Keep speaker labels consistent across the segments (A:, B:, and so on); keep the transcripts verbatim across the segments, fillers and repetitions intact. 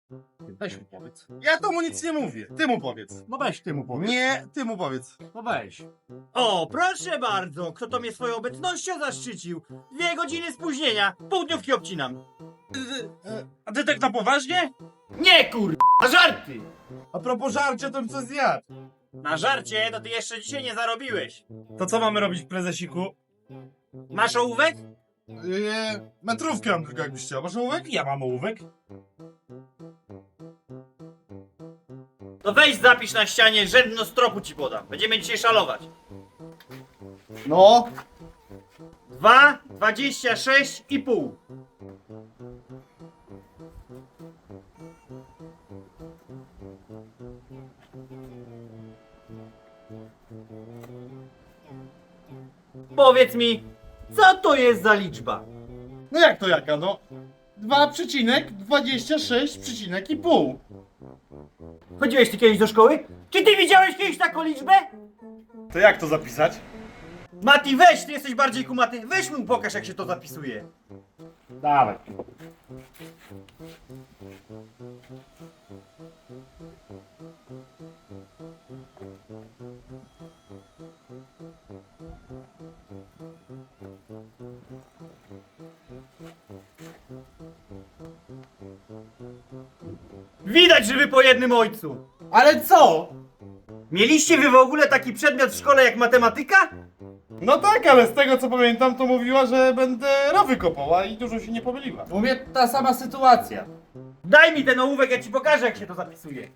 A: Weź mu powiedz.
B: Ja to mu nic nie mówię. Ty mu powiedz.
A: No weź ty mu powiedz.
B: Nie, ty mu powiedz.
A: No weź.
C: O, proszę bardzo, kto to mnie swoją obecnością zaszczycił? Dwie godziny spóźnienia, półdniówki obcinam.
B: A ty tak na poważnie?
C: Nie kur... a żarty!
B: A propos żarcia, to bym coś zjadł.
C: Na żarcie to ty jeszcze dzisiaj nie zarobiłeś.
B: To co mamy robić, prezesiku?
C: Masz ołówek?
B: Yy, metrówkę mam tylko, jakbyś chciał. Masz ołówek? Ja mam ołówek.
C: To weź zapisz na ścianie, rzędno stropu ci podam. Będziemy dzisiaj szalować.
B: No.
C: Dwa, dwadzieścia sześć i pół. Powiedz mi, co to jest za liczba?
B: No jak to jaka, no? dwa przecinek dwadzieścia sześć przecinek i pół.
C: Chodziłeś ty kiedyś do szkoły? Czy ty widziałeś kiedyś taką liczbę?
B: To jak to zapisać?
C: Mati, weź, ty jesteś bardziej kumaty. Weź mu pokaż, jak się to zapisuje.
A: Dawaj.
C: Widać, że wy po jednym ojcu.
B: Ale co?
C: Mieliście wy w ogóle taki przedmiot w szkole jak matematyka?
B: No tak, ale z tego co pamiętam, to mówiła, że będę rowy kopała i dużo się nie pomyliła.
A: U mnie ta sama sytuacja.
C: Daj mi ten ołówek, ja ci pokażę, jak się to zapisuje.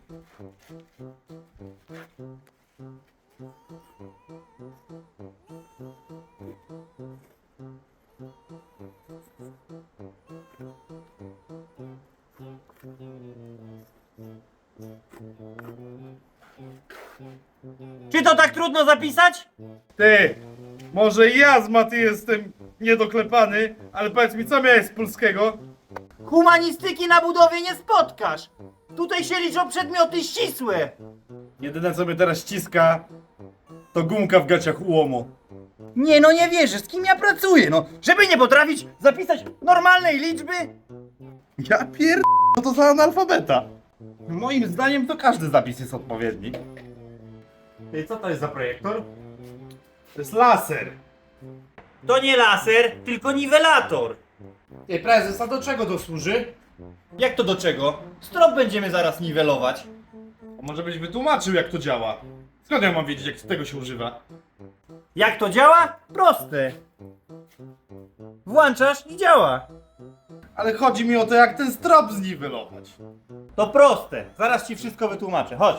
C: Czy to tak trudno zapisać?
B: Ty, może ja z Maty jestem niedoklepany, ale powiedz mi, co miałeś z polskiego?
C: Humanistyki na budowie nie spotkasz. Tutaj się liczą przedmioty ścisłe.
B: Jedyne co mnie teraz ściska, to gumka w gaciach ułomu.
C: Nie no, nie wierzę, z kim ja pracuję, no. Żeby nie potrafić zapisać normalnej liczby.
B: Ja pier... No to za analfabeta. Moim zdaniem to każdy zapis jest odpowiedni. Ty, co to jest za projektor? To jest laser.
C: To nie laser, tylko niwelator.
A: Ej, prezes, a do czego to służy?
C: Jak to do czego? Strop będziemy zaraz niwelować.
B: A może byś wytłumaczył, jak to działa? Skąd ja mam wiedzieć, jak tego się używa?
C: Jak to działa? Proste. Włączasz i działa.
B: Ale chodzi mi o to, jak ten strop zniwelować.
C: To proste. Zaraz ci wszystko wytłumaczę. Chodź.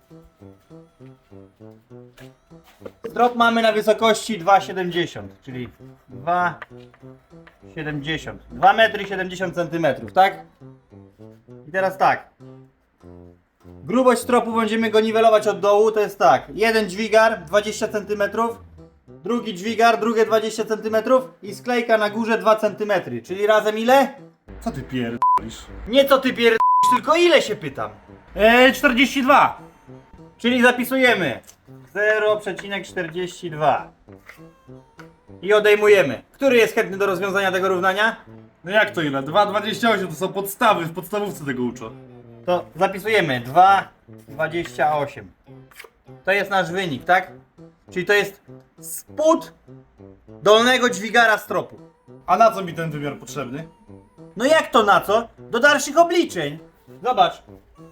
C: Strop mamy na wysokości dwa siedemdziesiąt, czyli dwa siedemdziesiąt. dwa metry siedemdziesiąt centymetrów, tak? I teraz tak. Grubość stropu będziemy go niwelować od dołu, to jest tak. Jeden dźwigar dwadzieścia centymetrów, drugi dźwigar, drugie dwadzieścia centymetrów i sklejka na górze dwa centymetry, czyli razem ile?
B: Co ty pierdolisz?
C: Nie co ty pierd... tylko ile się pytam?
B: Eee, czterdzieści dwa.
C: Czyli zapisujemy zero przecinek czterdzieści dwa i odejmujemy. Który jest chętny do rozwiązania tego równania?
B: No jak to ile? dwa dwadzieścia osiem to są podstawy, w podstawówce tego uczą.
C: To zapisujemy dwa dwadzieścia osiem. To jest nasz wynik, tak? Czyli to jest spód dolnego dźwigara stropu.
B: A na co mi ten wymiar potrzebny?
C: No jak to na co? Do dalszych obliczeń. Zobacz.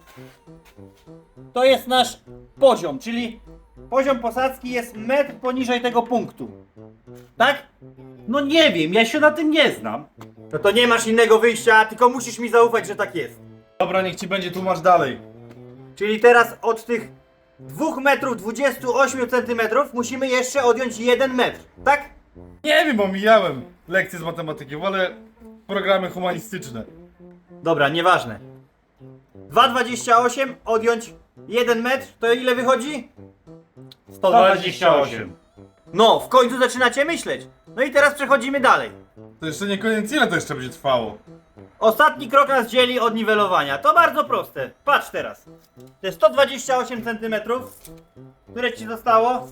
C: To jest nasz poziom, czyli poziom posadzki jest metr poniżej tego punktu. Tak?
A: No nie wiem, ja się na tym nie znam.
C: No to nie masz innego wyjścia, tylko musisz mi zaufać, że tak jest.
B: Dobra, niech ci będzie, tłumacz dalej.
C: Czyli teraz od tych dwóch metrów dwudziestu ośmiu centymetrów musimy jeszcze odjąć jeden metr, tak?
B: Nie wiem, omijałem lekcje z matematyki, wolę programy humanistyczne.
C: Dobra, nieważne. dwa dwadzieścia osiem odjąć jeden metr, to ile wychodzi?
B: sto dwadzieścia osiem.
C: No, w końcu zaczynacie myśleć. No i teraz przechodzimy dalej.
B: To jeszcze nie koniec, ile to jeszcze będzie trwało?
C: Ostatni krok nas dzieli od niwelowania. To bardzo proste. Patrz teraz. To jest sto dwadzieścia osiem centymetrów. Które ci zostało?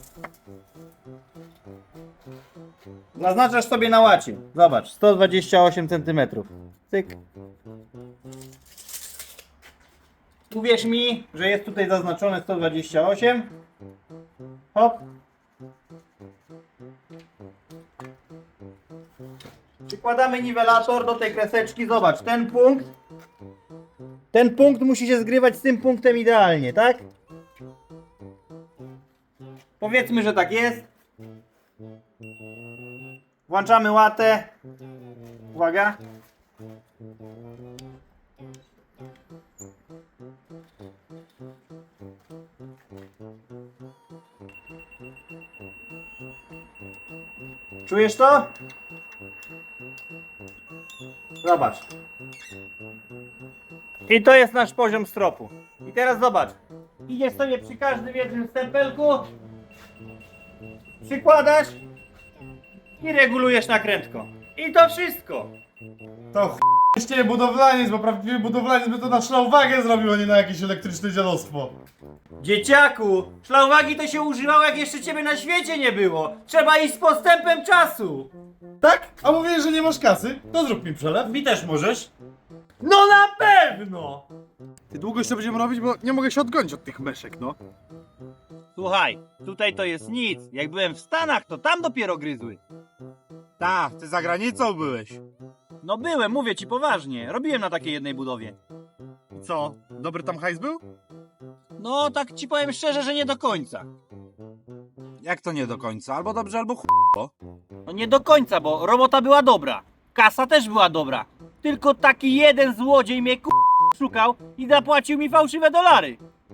C: Naznaczasz sobie na łacie. Zobacz, sto dwadzieścia osiem centymetrów. Cyk. Uwierz mi, że jest tutaj zaznaczone sto dwadzieścia osiem. Hop. Przykładamy niwelator do tej kreseczki. Zobacz, ten punkt. Ten punkt musi się zgrywać z tym punktem idealnie, tak? Powiedzmy, że tak jest. Włączamy łatę. Uwaga. Czujesz to? Zobacz. I to jest nasz poziom stropu. I teraz zobacz. Idziesz sobie przy każdym jednym stempelku. Przykładasz. I regulujesz nakrętką. I to wszystko.
B: To ch**ście budowlaniec, bo prawdziwy budowlaniec by to na szlauwagę zrobił, a nie na jakieś elektryczne dziadostwo.
C: Dzieciaku, szlauwagi to się używało, jak jeszcze ciebie na świecie nie było. Trzeba iść z postępem czasu.
B: Tak? A mówisz, że nie masz kasy? To zrób mi przelew.
A: Mi też możesz?
C: No na pewno!
B: Ty długo jeszcze będziemy robić, bo nie mogę się odgonić od tych myszek, no.
C: Słuchaj, tutaj to jest nic. Jak byłem w Stanach, to tam dopiero gryzły.
B: Tak, ty za granicą byłeś.
C: No byłem, mówię ci poważnie. Robiłem na takiej jednej budowie.
B: Co? Dobry tam hajs był?
C: No, tak ci powiem szczerze, że nie do końca.
B: Jak to nie do końca? Albo dobrze, albo ch**.
C: No nie do końca, bo robota była dobra. Kasa też była dobra. Tylko taki jeden złodziej mnie ku... szukał i zapłacił mi fałszywe dolary.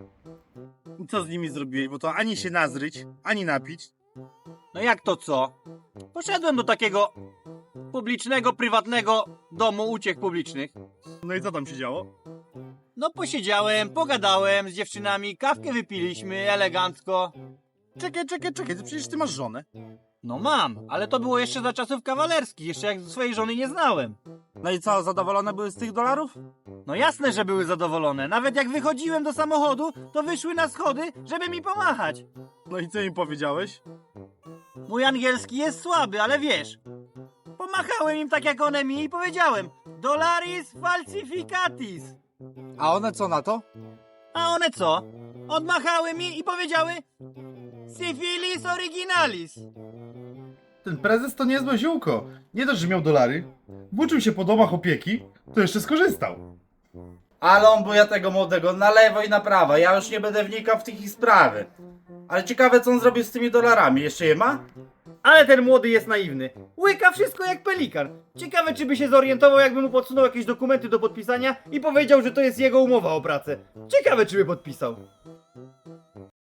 D: I co z nimi zrobiłeś? Bo to ani się nazryć, ani napić.
C: No jak to co? Poszedłem do takiego publicznego, prywatnego domu uciech publicznych.
D: No i co tam się działo?
C: No posiedziałem, pogadałem z dziewczynami, kawkę wypiliśmy elegancko.
D: Czekaj, czekaj, czekaj, ty przecież ty masz żonę.
C: No mam, ale to było jeszcze za czasów kawalerskich, jeszcze jak swojej żony nie znałem.
D: No i co, zadowolone były z tych dolarów?
C: No jasne, że były zadowolone. Nawet jak wychodziłem do samochodu, to wyszły na schody, żeby mi pomachać.
D: No i co im powiedziałeś?
C: Mój angielski jest słaby, ale wiesz. Pomachałem im tak jak one mi i powiedziałem: Dolaris falsificatis.
D: A one co na to?
C: A one co? Odmachały mi i powiedziały: Syfilis originalis.
B: Ten prezes to niezłe ziółko. Nie dość, że miał dolary, włóczył się po domach opieki, to jeszcze skorzystał.
A: Ale on buja tego młodego na lewo i na prawo. Ja już nie będę wnikał w tych ich sprawy. Ale ciekawe, co on zrobił z tymi dolarami. Jeszcze je ma?
C: Ale ten młody jest naiwny. Łyka wszystko jak pelikan. Ciekawe, czy by się zorientował, jakby mu podsunął jakieś dokumenty do podpisania i powiedział, że to jest jego umowa o pracę. Ciekawe, czy by podpisał.